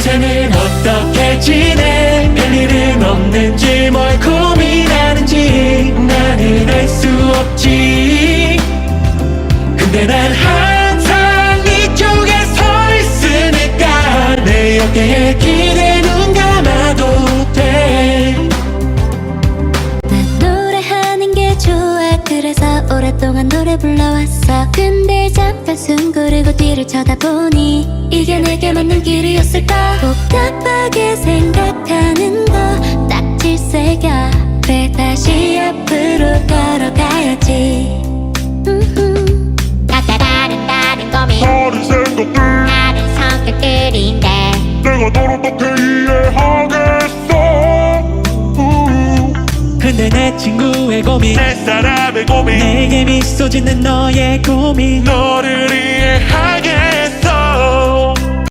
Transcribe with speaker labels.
Speaker 1: 요새는 어떻게 지내? 별일은 없는지 뭘 고민하는지 나는 알 수 없지. 근데 난 항상 이쪽에 서 있으니까 내 어깨에 기대 눈 감아도 돼.
Speaker 2: 난 노래하는 게 좋아. 그래서 오랫동안 노래 불러왔어. 근데 잠깐 숨 고르고 뒤를 쳐다보니 이게 내게 맞는 길이었을까? 복잡하게 생각하는 거 딱 질색이야. 그래 다시 앞으로 걸어가야지.
Speaker 3: 각자 다른 고민,
Speaker 4: 다른 생각들,
Speaker 3: 다른 성격들인데
Speaker 4: 내가 널 어떻게 이해하겠어.
Speaker 1: 근데 내 친구의 고민,
Speaker 4: 내 사람의 고민,
Speaker 1: 내게 미소 짓는 너의 고민,
Speaker 4: 너를 이해하겠어.